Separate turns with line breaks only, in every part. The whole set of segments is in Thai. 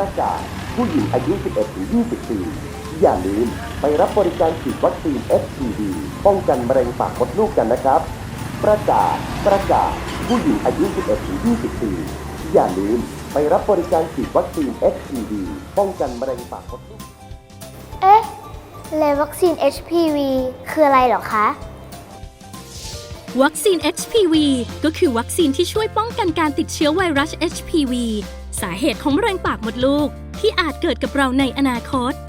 ประกาศผู้หญิงอายุ 11-20 ปีอย่าลืมไปรับบริการฉีดวัคซีน HPV ป้องกันมะเร็งปากมดลูกกันนะครับประกาศผู้หญิงอายุ 11-20 ปีอย่าลืมไปรับบริการฉีดวัคซีน HPV ป้องกันมะเร็งปากมดลูก
เอ๊ะแล้ววัคซีน HPV คืออะไรเหรอคะ
วัคซีน HPV ก็คือวัคซีนที่ช่วยป้องกันการติดเชื้อไวรัส HPV สาเหตุของมะเร็งปากมดลูกที่อาจเกิดกับเราในอนาคต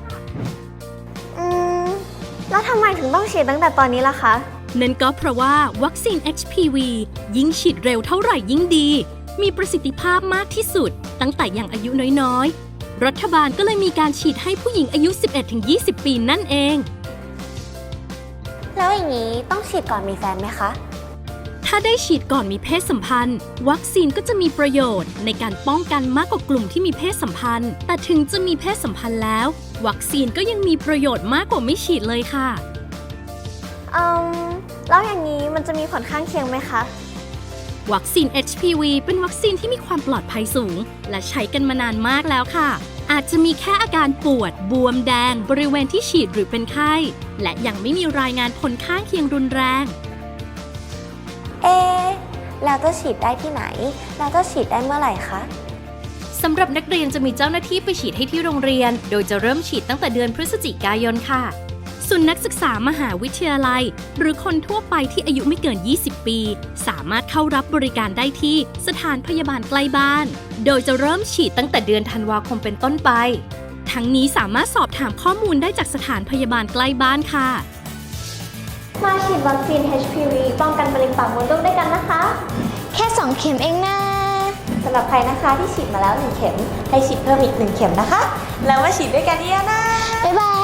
แล้วทำไมถึงต้องฉีดตั้งแต่ตอนนี้ล่ะคะ
นั่นก็เพราะว่าวัคซีน HPV ยิ่งฉีดเร็วเท่าไหร่ยิ่งดีมีประสิทธิภาพมากที่สุดตั้งแต่ยังอายุน้อยๆรัฐบาลก็เลยมีการฉีดให้ผู้หญิงอายุ 11-20 ปีนั่นเอง
แล้วอย่างนี้ต้องฉีดก่อนมีแฟนไหมคะ
ถ้าได้ฉีดก่อนมีเพศสัมพันธ์วัคซีนก็จะมีประโยชน์ในการป้องกันมากกว่ากลุ่มที่มีเพศสัมพันธ์แต่ถึงจะมีเพศสัมพันธ์แล้ววัคซีนก็ยังมีประโยชน์มากกว่าไม่ฉีดเลยค่ะ
แล้วอย่างนี้มันจะมีผลข้างเคียงไหมคะ
วัคซีน HPV เป็นวัคซีนที่มีความปลอดภัยสูงและใช้กันมานานมากแล้วค่ะอาจจะมีแค่อาการปวดบวมแดงบริเวณที่ฉีดหรือเป็นไข้และยังไม่มีรายงานผลข้างเคียงรุนแรง
แล้วจะฉีดได้ที่ไหนแล้วจะฉีดได้เมื่อไหร่คะ
สำหรับนักเรียนจะมีเจ้าหน้าที่ไปฉีดให้ที่โรงเรียนโดยจะเริ่มฉีดตั้งแต่เดือนพฤศจิกายนค่ะส่วนนักศึกษามหาวิทยาลัยหรือคนทั่วไปที่อายุไม่เกิน 20 ปีสามารถเข้ารับบริการได้ที่สถานพยาบาลใกล้บ้านโดยจะเริ่มฉีดตั้งแต่เดือนธันวาคมเป็นต้นไปทั้งนี้สามารถสอบถามข้อมูลได้จากสถานพยาบาลใกล้บ้านค่ะ
มาฉีดวัคซีน HPV ป้องกันมะเร็งปากมดลูกด้วยกันนะคะแค่2เข็มเองนะสำหรับใครนะคะที่ฉีดมาแล้ว1เข็มให้ฉีดเพิ่มอีก1เข็มนะคะแล้วมาฉีดด้วยกันเยอะนะบ๊ายบาย